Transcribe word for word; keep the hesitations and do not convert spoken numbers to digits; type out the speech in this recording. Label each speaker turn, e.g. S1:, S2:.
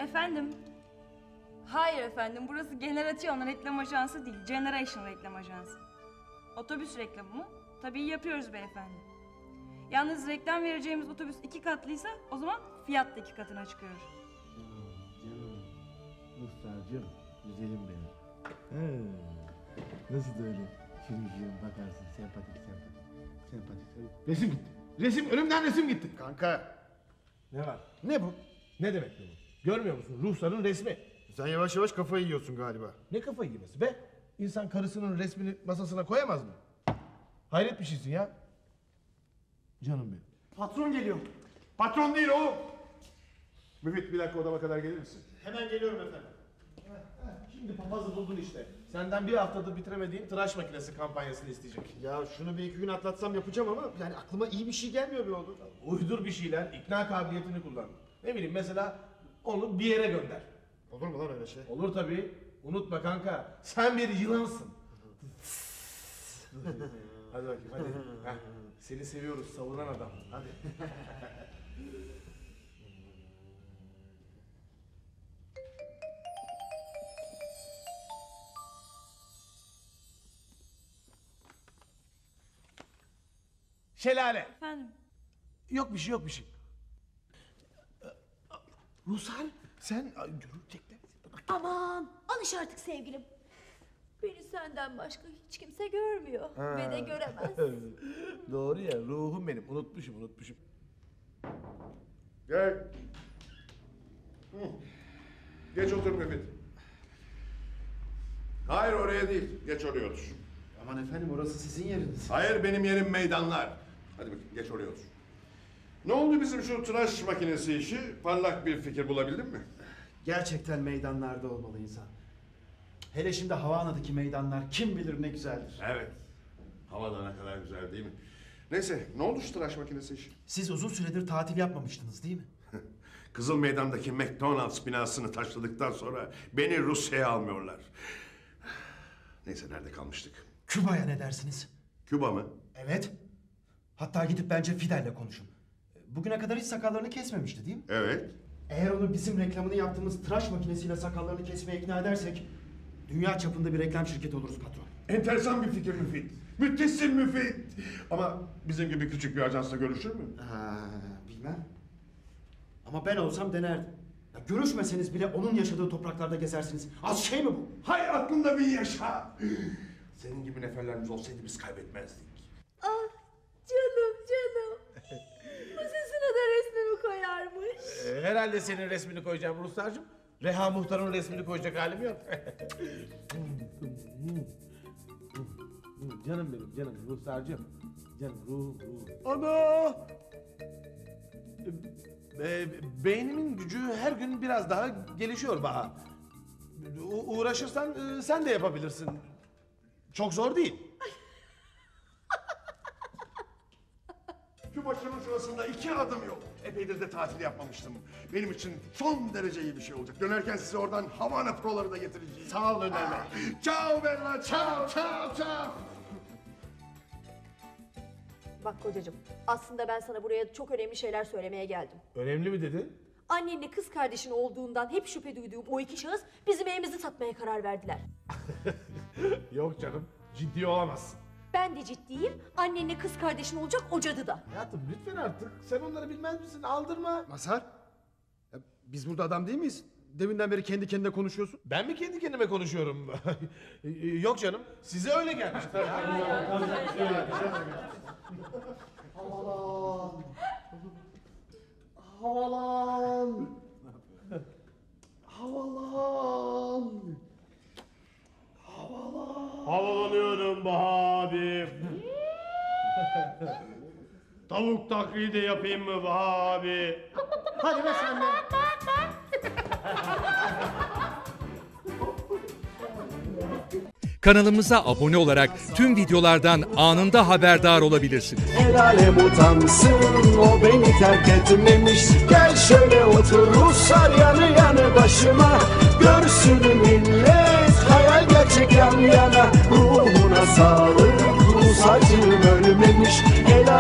S1: Efendim? Hayır efendim, burası Generation reklam ajansı değil, Generation reklam ajansı. Otobüs reklamı mı? Tabii yapıyoruz beyefendi. Yalnız reklam vereceğimiz otobüs iki katlıysa o zaman fiyat da iki katına çıkıyor.
S2: Canım, canım, Ruslarcığım, güzelim benim. He, nasıl da öyle şirin şirin bakarsın, sempatik sempatik, sempatik sempatik. Resim gitti, resim, önümden resim gitti.
S3: Kanka,
S2: Ne var?
S3: ne bu?
S2: Ne demek bu? Görmüyor musun? Ruhsar'ın resmi.
S3: Sen yavaş yavaş kafayı yiyorsun galiba.
S2: Ne kafayı yemesi be? İnsan karısının resmini masasına koyamaz mı? Hayret bir şeysin ya. Canım benim.
S3: Patron geliyor.
S4: Patron değil oğlum. Müfit bir dakika odama kadar gelir misin?
S3: Hemen geliyorum efendim.
S2: Şimdi papazı buldun işte. Senden bir haftadır bitiremediğin tıraş makinesi kampanyasını isteyecek.
S3: Ya şunu bir iki gün atlatsam yapacağım ama yani aklıma iyi bir şey gelmiyor be oğlum.
S2: Uydur bir şeyler, ikna kabiliyetini kullan. Ne bileyim mesela onu bir yere gönder.
S3: Olur mu lan öyle şey?
S2: Olur tabii. Unutma kanka. Sen bir yılansın. Hadi bakayım hadi. Heh, seni seviyoruz savunan adam. Hadi. Şelale.
S1: Efendim?
S2: Yok bir şey yok bir şey. Rusal sen ay, görülecekler.
S5: Aman alış artık sevgilim. Beni senden başka hiç kimse görmüyor ve de göremez.
S2: Doğru ya ruhum benim unutmuşum unutmuşum.
S4: Gel. Hı. Geç otur Müfit. Hayır oraya değil. Geç oraya otur.
S3: Aman efendim orası sizin yeriniz.
S4: Hayır benim yerim meydanlar. Hadi bakayım geç oraya otur. Ne oldu bizim şu tıraş makinesi işi? Parlak bir fikir bulabildin mi?
S3: Gerçekten meydanlarda olmalı insan. Hele şimdi Havana'daki meydanlar kim bilir ne güzeldir.
S4: Evet. Havada ne kadar güzel değil mi? Neyse ne oldu şu tıraş makinesi işi?
S3: Siz uzun süredir tatil yapmamıştınız değil mi?
S4: Kızıl Meydan'daki McDonald's binasını taşladıktan sonra beni Rusya'ya almıyorlar. Neyse nerede kalmıştık?
S3: Küba'ya ne dersiniz?
S4: Küba mı?
S3: Evet. Hatta gidip bence Fidel'le konuşun. Bugüne kadar hiç sakallarını kesmemişti değil mi?
S4: Evet.
S3: Eğer onu bizim reklamını yaptığımız tıraş makinesiyle sakallarını kesmeye ikna edersek dünya çapında bir reklam şirketi oluruz patron.
S4: Enteresan bir fikir Müfit. Müthişsin Müfit. Ama bizim gibi küçük bir ajansla görüşür mü?
S3: Ha, bilmem. Ama ben olsam denerdim. Ya görüşmeseniz bile onun yaşadığı topraklarda gezersiniz. Az şey mi bu?
S4: Hay aklında bir yaşa. Senin gibi neferlerimiz olsaydı biz kaybetmezdik.
S5: Ah canım canım. Masasına da resmimi koyarmış.
S2: Ee, herhalde senin resmini koyacağım Ruslarcığım. Reha Muhtar'ın resmini koyacak halim yok. Canım benim canım Ruslarcığım. Canım ruhum ruhum. Ana! Ee, beynimin gücü her gün biraz daha gelişiyor Baha. U- uğraşırsan e, sen de yapabilirsin. Çok zor değil.
S4: Şu başının şurasında iki adım yok. Epeydir de tatil yapmamıştım. Benim için son derece iyi bir şey olacak. Dönerken size oradan Havana proları da getireceğim.
S2: Sağ ol Önder Bey.
S4: Ciao Bella, ciao, ciao, ciao.
S5: Bak kocacığım aslında ben sana buraya çok önemli şeyler söylemeye geldim.
S2: Önemli mi dedin?
S5: Annenle kız kardeşin olduğundan hep şüphe duyduğum o iki şahıs bizim evimizi satmaya karar verdiler.
S2: Yok canım, ciddi olamazsın.
S5: Ben de ciddiyim. Annenle kız kardeşin olacak o cadı da.
S2: Hayatım lütfen artık. Sen onları bilmez misin? Aldırma.
S3: Mazhar, ya biz burada adam değil miyiz? Deminden beri kendi kendine konuşuyorsun.
S2: Ben mi kendi kendime konuşuyorum? Yok canım, size öyle gelmiş.
S3: Havalan. Havalan. Havalan. Havalan.
S6: Havalanıyorum Baha abi. Tavuk taklidi yapayım mı Baha abi?
S3: Hadi be sen de.
S7: Kanalımıza abone olarak tüm videolardan anında haberdar olabilirsiniz.
S8: El alem utansın o beni terk etmemiş. Gel şöyle otur Ruslar yanı yanı başıma. Görsün millet hayal gerçek yan yana. Ruhuna sağlık Rus acım ölmemiş.